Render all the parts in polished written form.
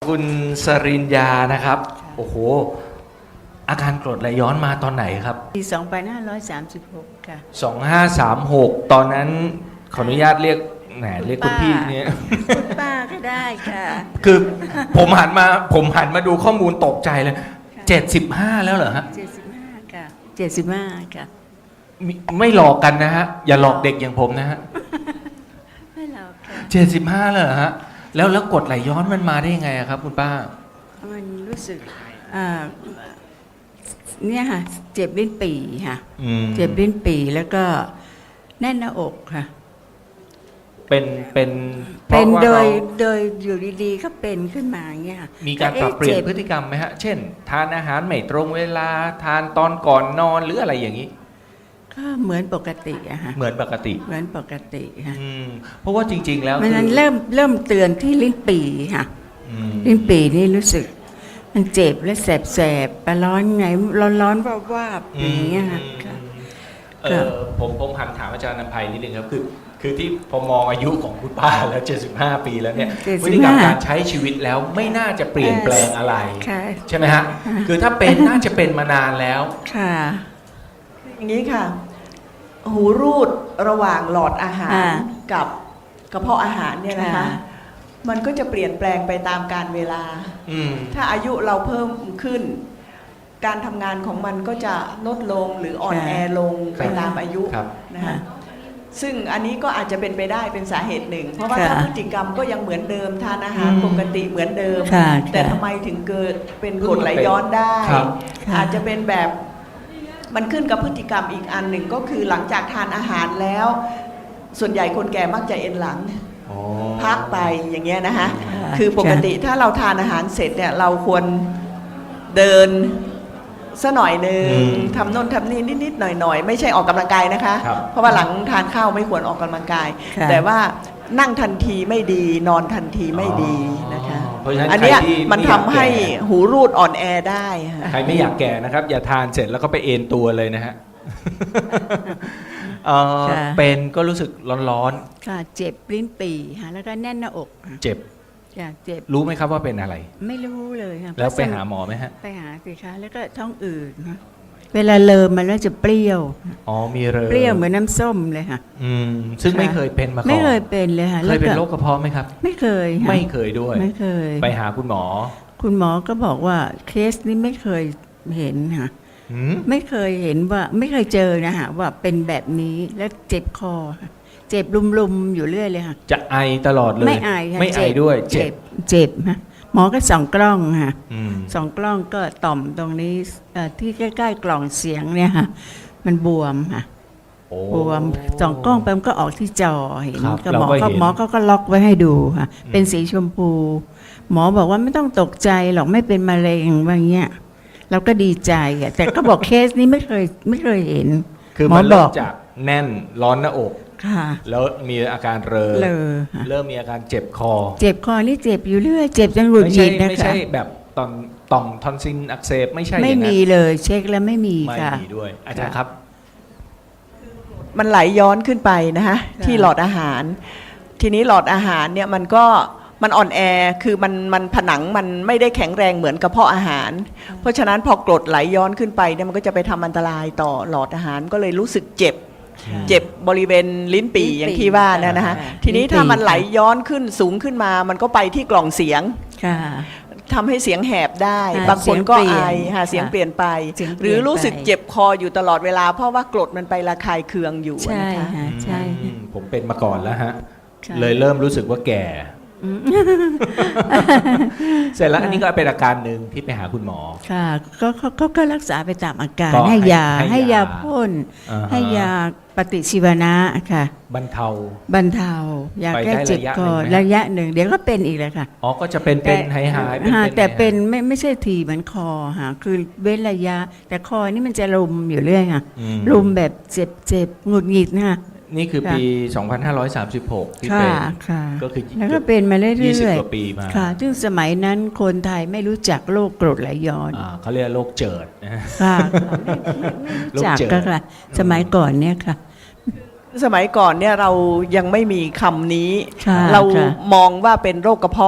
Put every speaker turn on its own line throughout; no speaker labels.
คุณสริญญานะครับโอ้โหอาการกรดไหลย้อนมาตอนไหนครับ
ปี2536ค่ะ
2536ตอนนั้นขออนุญาตเรียกเรียกคุณพี่เนี่ย
คุณป้าก็ได้ค่ะ
คือผมหันมาดูข้อมูลตกใจเลย75แล้วเหรอฮะ
75ค่ะ75ค่ะ
ไม่หลอกกันนะฮะอย่าหลอกเด็กอย่างผมนะฮะ
ไม่หรอกค่ะ
75เลยเหรอฮะแล้วกรดไหลย้อนมันมาได้ยังไงครับคุณป้า
มันรู้สึกเนี่ยค่ะเจ็บลิ้นปี่ค่ะเจ็บลิ้นปี่แล้วก็แน่นหน้าอกค่ะ
เป็น
โดยอยู่ดีๆก็เป็นขึ้นมาเงี้ย
มีการปรับเปลี่ยนพฤติกรรมไหมฮะเช่นทานอาหารไม่ตรงเวลาทานตอนก่อนนอนหรืออะไรอย่างนี้
ก็เหมือนปกติอะค่ะ
เหมือนปกติ
ค่ะ
เพราะว่าจริงๆแล้ว
มันเริ่มเตือนที่ลิ้นปี่ค่ะลิ้นปี่นี่รู้สึกมันเจ็บและแสบๆไปร้อนไงร้อนวาบๆอย่างเงี้ยค่ะ
ผมหันถามอาจารย์นภัยนิดนึงครับคือที่พอมองอายุของคุณป้าแล้ว75ปีแล้วเนี่ยพฤติกรรมการใช้ชีวิตแล้วไม่น่าจะเปลี่ยนแปลงอะไรใช่ไหมฮะคือถ้าเป็นน่าจะเป็นมานานแล้ว
ค่ะ
อย่างนี้ค่ะหูรูดระหว่างหลอดอาหารกับกระเพาะอาหารเนี่ยนะคะมันก็จะเปลี่ยนแปลงไปตามกาลเวลาถ้าอายุเราเพิ่มขึ้นการทำงานของมันก็จะลดลงหรืออ่อนแอลงไปตามอายุนะคะซึ่งอันนี้ก็อาจจะเป็นไปได้เป็นสาเหตุหนึ่งเพราะว่าถ้าพฤติกรรมก็ยังเหมือนเดิมทานอาหารปกติเหมือนเดิมแต่ทำไมถึงเกิดเป็นกรดไหลย้อนได้อาจจะเป็นแบบมันขึ้นกับพฤติกรรมอีกอันหนึ่งก็คือหลังจากทานอาหารแล้วส่วนใหญ่คนแก่มักจะเอ็นหลังพักไปอย่างเงี้ยนะคะคือปกติถ้าเราทานอาหารเสร็จเนี่ยเราควรเดินสักหน่อยหนึ่งทำโน่นทำนี่นิดๆหน่อยๆไม่ใช่ออกกำลังกายนะคะเพราะว่าหลังทานข้าวไม่ควรออกกำลังกายแต่ว่านั่งทันทีไม่ดีนอนทันทีไม่ดีนะคะอันนี้มันทำให้หูรูดอ่อนแอได้
ใครไม่อยากแก่นะครับอย่าทานเสร็จแล้วก็ไปเอนตัวเลยนะฮะเป็นก็รู้สึกร้อน
ๆค่ะเจ็บลิ้นปี่ค่ะแล้วก็แน่นหน้าอก
เจ็บรู้ไหมครับว่าเป็นอะไร
ไม่รู้เลยค่ะ
แล้วไปหาหมอไหมฮะ
ไปหาสิคะแล้วก็ท้องอืดนะเวลาเลิมมันแล้วจะเปรี้ยว
มีเ
ปรี้ยวเหมือนน้ำส้มเลยค่ะ
ซึ่งไม่เคยเป็นมาก่อน
ไม่เคยเป็นเลยค่ะ
เคยเป็นโรคกระเพาะไหมครับ
ไม่เคย
ด้วย
ไม่เคย
ไปหาคุณหมอ
ก็บอกว่าเคสนี้ไม่เคยเห็นค่ะไม่เคยเห็นว่าไม่เคยเจอนะฮะว่าเป็นแบบนี้แล้วเจ็บคอเจ็บลุมๆอยู่เรื่อยเลยค่ะ
จะไอตลอดเลย
ไม่ไอค่ะ
ไม่ไอด้วยเ
จ็บฮะหมอก็ส่องกล้องค่ะส่องกล้องก็ต่อมตรงนี้ที่ใกล้ๆกล่องเสียงเนี่ยค่ะมันบวมค่ะบวมส่องกล้องไปมันก็ออกที่จอเห็นก็หมอก็ล็อกไว้ให้ดูค่ะเป็นสีชมพูหมอบอกว่าไม่ต้องตกใจหรอกไม่เป็นมะเร็งว่าเงี้ยเราก็ดีใจอ่ะแต่ก็บอกเคสนี้ไม่เคยเห็น
คือมันเริ่มจากแน่นร้อนหน้าอกแล้วมีอาการเริ่มมีอาการเจ็บคอ
นี่เจ็บอยู่เรื่อยเจ็บจนหงุดหงิดนะคะ
ไม่ใช่แบบต่อมทอนซิลอักเสบไม่ใช่
ไม่มีเลยเช็คแล้วไม่มีค่ะ
ไม่มีด้วยอาจารย์ครับ
มันไหลย้อนขึ้นไปนะฮะที่หลอดอาหารทีนี้หลอดอาหารเนี่ยมันอ่อนแอคือมันผนังมันไม่ได้แข็งแรงเหมือนกระเพาะอาหารเพราะฉะนั้นพอกรดไหลย้อนขึ้นไปเนี่ยมันก็จะไปทำอันตรายต่อหลอดอาหารก็เลยรู้สึกเจ็บบริเวณลิ้นปี่อย่างที่ว่านะฮะทีนี้ถ้ามันไหลย้อนขึ้นสูงขึ้นมามันก็ไปที่กล่องเสียงทำให้เสียงแหบได้บางคนก็ไอเสียงเปลี่ยนไปหรือรู้สึกเจ็บคออยู่ตลอดเวลาเพราะว่ากรดมันไประคายเคืองอยู่นะคะ
ใช่
ผมเป็นมาก่อนแล้วฮะเลยเริ่มรู้สึกว่าแก่เสร็จแล้วอันนี้ก็เป็นอาการหนึ่งที่ไปหาคุณหมอ
ค่ะก็รักษาไปตามอาการให้ยาพ่นให้ยาปฏิชีวนะค่ะบรรเทายาแก้เจ็บคอระยะหนึ่งเดี๋ยวก็เป็นอีกเลยค่ะ
ก็จะเป็นหาย
แต่เป็นไม่ใช่ทีเหมือนคอค่ะคือเว้นระยะแต่คอนี่มันจะรุมอยู่เรื่อยค่ะรุมแบบเจ็บหงุดหงิดนะคะ
นี่คือปี2536ที่เป็นก็คือ
แล้วก็เป็นมาเรื่อยๆ
20 กว่าปีมา
ค่ะซึ่งสมัยนั้นคนไทยไม่รู้จักโรคกรดไหลย้อน
เขาเรียกโรคเจิดนะ
ค่ะไม่รู้จักก็ค่ะสมัยก่อนเนี่ยค่ะ
สมัยก่อนเนี่ยเรายังไม่มีคำนี้เรามองว่าเป็นโรคกระเพาะ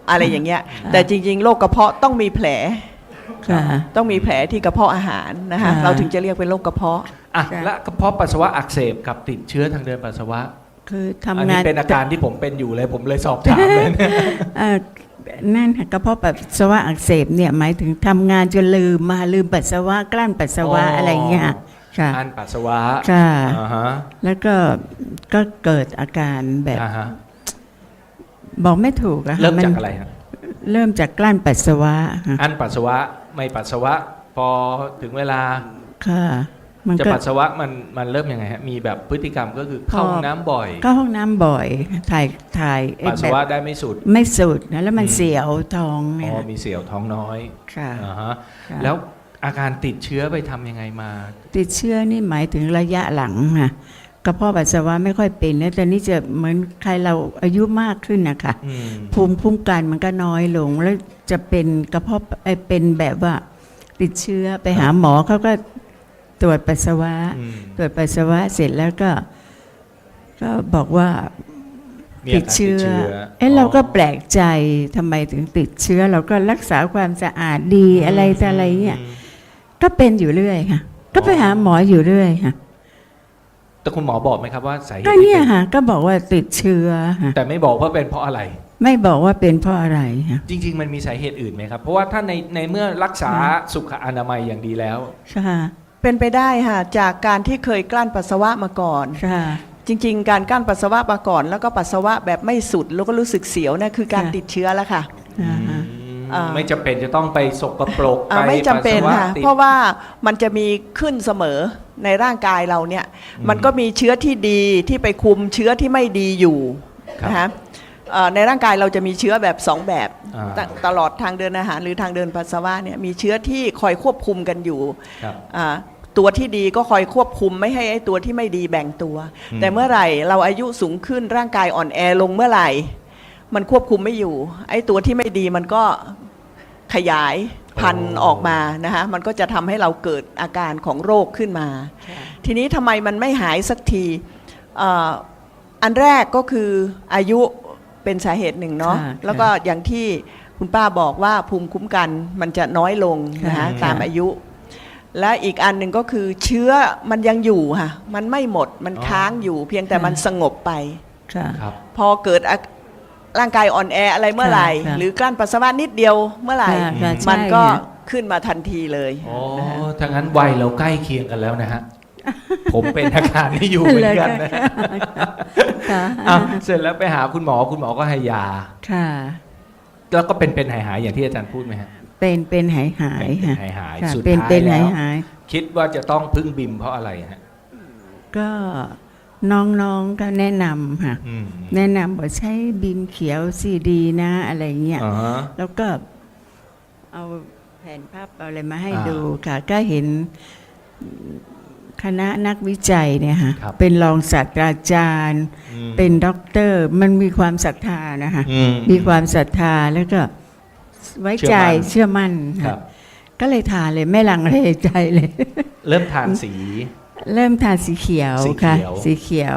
อะไรอย่างเงี้ยแต่จริงๆโรคกระเพาะต้องมีแผล
ค่ะ
ต้องมีแผลที่กระเพาะอาหารนะคะ
ค่ะ
เราถึงจะเรียกเป็นโรคกระเพาะ
อ่ะ
ค่ะ
และกระเพาะปัสสาวะอักเสบกับติดเชื้อทางเดินปัสสาวะ
คือ
อัน
ทำ
นี้
งาน
เป็นอาการที่ผมเป็นอยู่เลยผมเลยสอบถามเลยเนี่ย
เอ่อนั่นค่ะกระเพาะปัสสาวะอักเสบเนี่ยหมายถึงทำงานจนลืมปัสสาวะกลั้นปัสสาวะ
อ๋ออ
อะไรเงี้ยค่ะ
อันปัสสาวะ
ค่ะ
อ่าฮะ
แล้วก็เกิดอาการแบบ
อ่าฮะ
บอกไม่ถูกอะค่ะ
เริ่มจาก
น
อะไรฮะ
เริ่มจากกลั้นปัสสาวะค่ะ
อันปัสสาวะไม่ปัสสาวะ พอถึงเวลา
ค่ะ มัน
จะ
ก็
ปัสสาวะมันเริ่มยังไงฮะมีแบบพฤติกรรมก็คือเข้าห้องน้ำบ่อย
ก็ห้องน้ำบ่อยถ่ายไอ้
ปัสสาวะได้ไม่สุด
ไม่สุดนะแล้วมัน
อืม
เสียวท้อง
อ๋
เนี่
อย มีเสียวท้องน้อย
ค่ะ
อ่าฮะ
ค่ะ
แล้วอาการติดเชื้อไปทำยังไงมา
ติดเชื้อนี่หมายถึงระยะหลังค่ะกระเพาะปัสสาวะไม่ค่อยเป็นแล้วแต่นี่จะเหมือนใครเราอายุมากขึ้นนะคะ
อืม
ภูมิคุ้มกันมันก็น้อยลงแล้วจะเป็นกระเพาะเป็นแบบว่าติดเชื้อไปหาหมอเขาก็ตรวจปัสสาวะ
อืม
ตรวจปัสสาวะเสร็จแล้วก็บอกว่า
มี
ติ
อา
ด
การ
เชื้อ
อ๋อ
เราก็แปลกใจทำไมถึงติดเชื้อ เราก็รักษาความสะอาดดีอะไรแต่อะไรเงี้ยก็เป็นอยู่เรื่อยค่ะ ก็ไปหาหมออยู่เรื่อยค่ะ
แต่คุณหมอบอกไหมครับว่าสาเหตุ
ก็
ที่
เนี่ย
เป็น
ค่ะก็บอกว่าติดเชื้อค่ะ
แต่ไม่บอกว่าเป็นเพราะอะไร
ไม่บอกว่าเป็นเพราะอะไรค่ะ
จริง ๆ มันมีสาเหตุอื่นไหมครับ เพราะว่าถ้าในเมื่อรักษาสุขอนามัยอย่างดีแล้ว
ค่ะ
เป็นไปได้ค่ะจากการที่เคยกลั้นปัสสาวะมาก่อน
ค่ะ
จริง ๆ การกลั้นปัสสาวะมาก่อน แล้วก็ปัสสาวะแบบไม่สุดแล้วก็รู้สึกเสียวนะคือการ
ค่ะ
ติดเชื้อแล้วค่ะ อ่า
ไม่จำเป็นจะต้องไปสกปรก
ไม่จำเป็น
ปัสสาว
ค่ะ
ติด
เพราะว่ามันจะมีขึ้นเสมอในร่างกายเราเนี่ยมันก็มีเชื้อที่ดีที่ไปคุมเชื้อที่ไม่ดีอยู่
ครับ
นะคะในร่างกายเราจะมีเชื้อแบบ2แบบ
อ่า
ตลอดทางเดินอาหารหรือทางเดินปัสสาวะเนี่ยมีเชื้อที่คอยควบคุมกันอยู่
ครับ
ตัวที่ดีก็คอยควบคุมไม่ให้ไอ้ตัวที่ไม่ดีแบ่งตัว
อืม
แต่เมื่อไหร่เราอายุสูงขึ้นร่างกายอ่อนแอลงเมื่อไหร่ มันควบคุมไม่อยู่ ไอ้ตัวที่ไม่ดีมันก็ขยายพันธุ์ออกมานะคะมันก็จะทำให้เราเกิดอาการของโรคขึ้นมา ทีนี้ทำไมมันไม่หายสักทีอันแรกก็คืออายุเป็นสาเหตุหนึ่งเนาะ
ค่ะ
แล้วก็อย่างที่คุณป้าบอกว่าภูมิคุ้มกันมันจะน้อยลงนะคะ
ค่ะ
ตามอายุ และอีกอันหนึ่งก็คือเชื้อมันยังอยู่ค่ะมันไม่หมดมันค้างอยู่ เพียงแต่มันสงบไป
ค่ะ
ครับ
พอเกิดร่างกายอ่อนแออะไรเมื่อไหร่
ค่ะ
หรือกลั้นปัสสาวะนิดเดียวเมื่อไหร่
ค่ะค่ะใช่
มันก็
ค่ะ
ขึ้นมาทันทีเลย
อ๋อ
นะฮะ
ถ้างั้นวัยเราใกล้เคียงกันแล้วนะฮะ ผมเป็นอาการนี้อยู่เหมือนกันนะ
ค่ะ
อ่ะเสร็จแล้วไปหาคุณหมอก็ให้ยา
ค่ะ
แล้วก็เป็นหายๆอย่างที่อาจารย์พูดไหมฮะ
เป็นหายค่ะ
เป็นหาย
ค่ะ
สุด
เป็น
ท้ายแล้ว
หาย
คิดว่าจะต้องพึ่งบิมเพราะอะไรฮะ
ก็น้องๆก็แนะนำค่ะ
อืม
แนะนำบอกใช้บิมเขียวซีดีนะอะไรเงี้ย
อ่าฮะ
แล้วก็เอาแผ่นภาพเอาอะไรมาให้
อ่า
ดูค่ะ ก็เห็นคณะนักวิจัยเนี่ยค่ะ
ครับ
เป็นรองศาสตราจารย์
อืม
เป็นด็อกเตอร์ มันมีความศรัทธานะคะ
อื
มีความศรัทธาแล้วก็ไว้ใจเชื่อมั่น
ครั
ค่ะ
บ
ก็เลยทานเลยไม่ลังเลใจเลย
เริ่มทานสี
เริ่มทานสีเขียว
สีเขียว
ค่ะ สีเขียว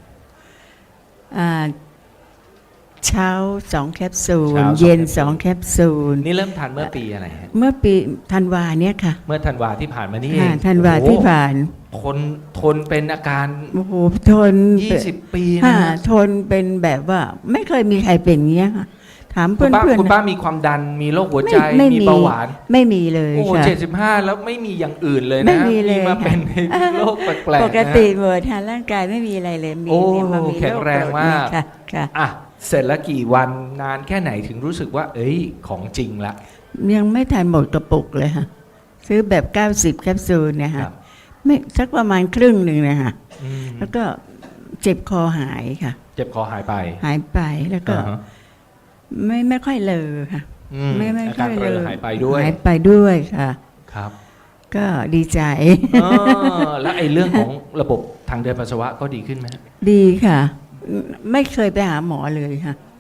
เช้า2 แคปซูล
เช้า2
เย็น
แคปซูล
2 แคปซูล
นี่เริ่มทานเมื่อปีอะไรฮะ
เมื่อปีธันวาเนี่ยค่ะ
เมื่อธันวาที่ผ่านมานี่เอ
ค่ะ
ง
ธันวาที่ผ่าน
ทนเป็นอาการ
โอ้โหทน
20 ปี
ค่ะ
นะฮะ
ทนเป็นแบบว่า ไม่เคยมีใครเป็นอย่างเงี้ยค่ะถาม
คุ
เพื่
ณป้า
อน
คุณ
ๆ
ป้า
นะ
มีความดันมีโรคหัวใจ
ไม่
มี
มี
เบาหวาน
ไม่มีเลย
โอ้
ค่ะ
75 แล้วไม่มีอย่างอื่นเลย
ไม่
นะ
มีเลย
มาเป็น
ค่ะ
โรคแปลกๆนะ
ปกติหมดทางร่างกายไม่มีอะไรเลยมี
โอ้
เนี่ยมามี
แข็งแรงมาก
ค่ะค่ะ
อ่ะเสร็จแล้วกี่วันนานแค่ไหนถึงรู้สึกว่า เอ้ยของจริงละ
ยังไม่ทันหมดกระปุกเลยค่ะ ซื้อแบบ90 แคปซูลเนี่ย
ครั
ค่ะ
บ
ไม่สักประมาณครึ่งหนึ่งนะคะ
อืม
แล้วก็เจ็บคอหายค่ะ
เจ็บคอหายไป
หายไปแล้วก็
อ่าฮะ
ไม่ค่อยเลอค่ะ
อืม
ไม่
อา
ค่
การ
อย
เร
เล
อ
อ
หายไปด้วย
หายไปด้วยค่ะ
ครับ
ก็ดีใจ
เออแล้วไอ้เรื่องของระบบทางเดินปัสสาวะก็ดีขึ้นไหมฮะ
ดีค่ะ ไม่เคยไปหาหมอเลยค่ะ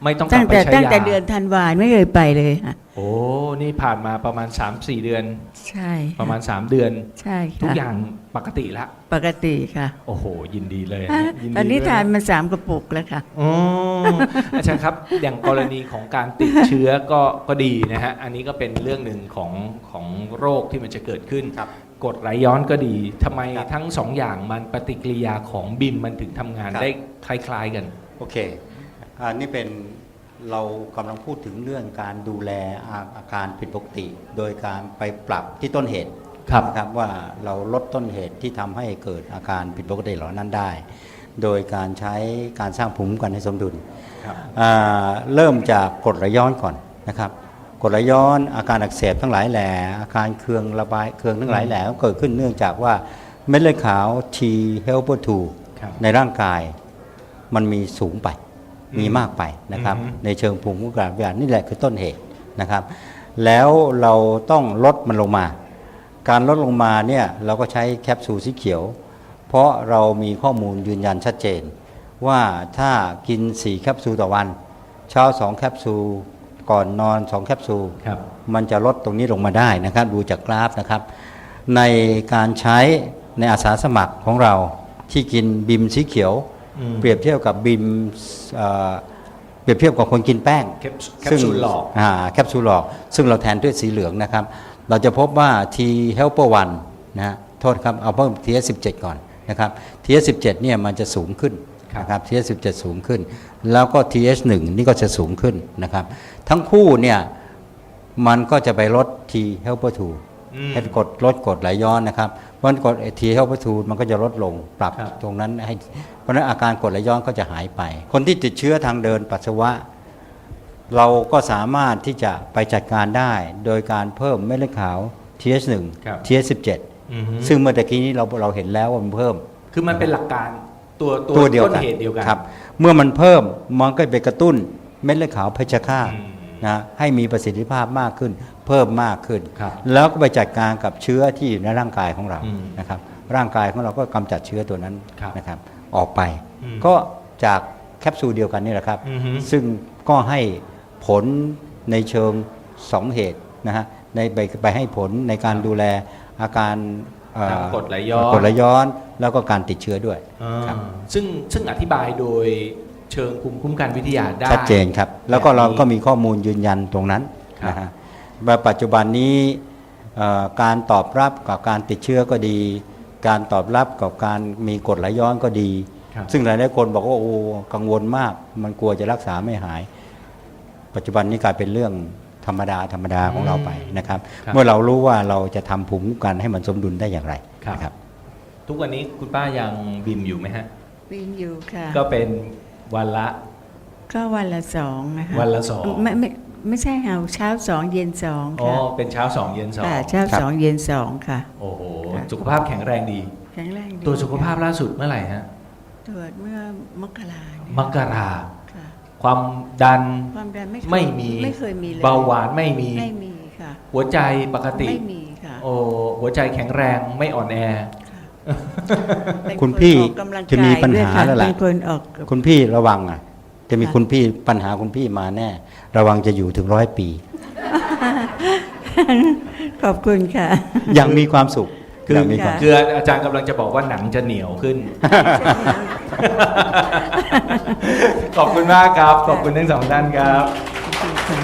ไม่ต้องกลับไปใช้ยา
ตั้งแต่เดือนธันวาไม่เคยไปเลยค่ะ
โอ้นี่ผ่านมาประมาณ 3-4 เดือน
ใช่
ประมาณ 3 เดือน
ใช่ค่ะ
ทุกอย่างปกติละ
ปกติค่ะ
โอ้โห ยินดีเลย
ฮะ
ยิดี
ตอนนี้
ด้วย
ทานมา3 กระปุกแล้วค่ะ
อ๋ออาจารย์ครับ อย่างกรณีของการติดเชื้อก็ดีนะฮะ อันนี้ก็เป็นเรื่องหนึ่งของโรคที่มันจะเกิดขึ้น
ครับ
กรดไหลย้อนก็ดีทำไม
ครับ
ทั้งสองอย่างมันปฏิกิริยาของบิมมันถึงทำงาน
ครับ
ได้คล้ายๆกัน
โอเคอันนี้เป็นเรากำลังพูดถึงเรื่องการดูแลอาการผิดปกติ โดยการไปปรับที่ต้นเหตุ
ครับ
นะครับว่าเราลดต้นเหตุที่ทำให้เกิดอาการผิดปกติเหล่านั้นได้ โดยการใช้การสร้างภูมิคุ้มกันให้สมดุล
ครับ
เริ่มจากกรดไหลย้อนก่อนนะครับกรดไหลย้อนอาการอักเสบทั้งหลายแหล่อาการเคืองระบายเคืองทั้งหลายแหล่ก็เกิดขึ้นเนื่องจากว่าเม็ดเลือดขาว T helper
ครับ
2ในร่างกายมันมีสูงไปมีมากไปนะครับ
อือฮึ
ในเชิงภูมิคุ้มกันวิทยานี่แหละคือต้นเหตุนะครับ แล้วเราต้องลดมันลงมา การลดลงมาเนี่ยเราก็ใช้แคปซูลสีเขียว เพราะเรามีข้อมูลยืนยันชัดเจน ว่าถ้ากิน4แคปซูลต่อวัน เช้า2แคปซูลก่อนนอน2แคปซูล
ครับ
มันจะลดตรงนี้ลงมาได้นะครับดูจากกราฟนะครับ ในการใช้ในอาสาสมัครของเราที่กินบิมสีเขียว
อืม
เปรียบเทียบกับบิมเปรียบเทียบกับคนกินแป้ง
แคปซูลหลอก
แคปซูลหลอกซึ่งเราแทนด้วยสีเหลืองนะครับ เราจะพบว่า T helper 1นะฮะโทษครับเอาเพิ่ม TS17 ก่อนนะครับ TS17 เนี่ยมันจะสูงขึ้นนะครับ TS17 สูงขึ้น แล้วก็ TS1 นี่ก็จะสูงขึ้นนะครับ ทั้งคู่เนี่ยมันก็จะไปลด T helper 2 ให้ลดกรดไหลย้อนนะครับเพราะฉะนั้นกรด T helper 2มันก็จะลดลงปรับ
ครับ
ตรงนั้นให้เพราะฉะนั้นอาการกรดไหลย้อนก็จะหายไป คนที่ติดเชื้อทางเดินปัสสาวะ เราก็สามารถที่จะไปจัดการได้โดยการเพิ่มเม็ดเลือดขาว TH1
ครับ
TH17
อือฮึ
ซึ่งเมื่อตะกี้นี้เราเห็นแล้วว่ามันเพิ่ม
คือมันเป็นหลักการตัว
ตัวเดียว
ต้น
กัน
เหตุเดียวกัน
ครับเมื่อมันเพิ่มมันก็ไปกระตุ้นเม็ดเลือดขาวเพชฌฆาต
อืม
นะให้มีประสิทธิภาพมากขึ้น เพิ่มมากขึ้น
ครับ
แล้วก็ไปจัดการกับเชื้อที่อยู่ในร่างกายของเรา
อืม
นะครับร่างกายของเราก็กำจัดเชื้อตัวนั้น
ครับ
นะครับออกไป
อืม
ก็จากแคปซูลเดียวกันนี่แหละครับ
อือฮึ
ซึ่งก็ให้ผลในเชิง2เหตุนะฮะไปให้ผลในการดูแลอาการ
ทางกรดไหลย้อน
กรดไหลย้อนแล้วก็การติดเชื้อด้วย ครับ
ซึ่งอธิบายโดยเชิงภูมิคุ้มกันวิทยาได้
ชัดเจนครับ แล้วก็
แบบนี้
เราก็มีข้อมูลยืนยันตรงนั้น
ครับ
นะฮะว่าปัจจุบันนี้การตอบรับกับการติดเชื้อก็ดี การตอบรับกับการมีกรดไหลย้อนก็ดี
ครับ
ซึ่งหลายๆคนบอกว่าโอ้กังวลมาก มันกลัวจะรักษาไม่หาย ปัจจุบันนี้กลายเป็นเรื่องธรรมดาของเราไปนะครับ
ครับ
เมื่อเรารู้ว่าเราจะทำภูมิคุ้มกันให้มันสมดุลได้อย่างไร
ครับ
นะครับ
ทุกวันนี้คุณป้ายังบิมอยู่ไหมฮะ
วินอยู่ค่ะ
ก็เป็นวันละ
ก็วันละ2นะคะ
วันละ2
ไม่ใช่ค่ะเช้า2เย็น2
อ๋อ
ค่ะ
เป็นเช้า2เย็น
ค่ะเช้า
ครับ
2เย็น2ค่ะ
2โอ้โห
ค่ะ
สุขภาพแข็งแรงดี
แข็งแรงดี
ตัวจสุขภาพ
ค่ะ
ล่าสุดเมื่อไหร่ฮะ
ตรวจเมื่อมกราเนี่ย
มกรา
ค่ะ
ความดัน
ความดันไม่
ไม่มี
ไม่เคยมีเลย
เบาหวานไม่มี
ไม่มีค่ะ
หัวใจปกติ
ไม่มีค่ะ
โอ้หัวใจแข็งแรงไม่อ่อนแอ
เป็น
คุณพี่
นออกกำลังกาย
จะมีปัญหา
ด้วยค่ะ
แล้วล่ะ
เป็นคนออก
คุณพี่ระวังอ่ะจะมี
ค่ะ
คุณพี่ปัญหาคุณพี่มาแน่ ระวังจะอยู่ถึง100 ปี
ขอบคุณค่ะ
ยังมีความสุข
คือ
ยังมีความ
คืออาจารย์กำลังจะบอกว่าหนังจะเหนียวขึ้น ขอบคุณมากครับ ขอบคุณทั้งสองท่านครับ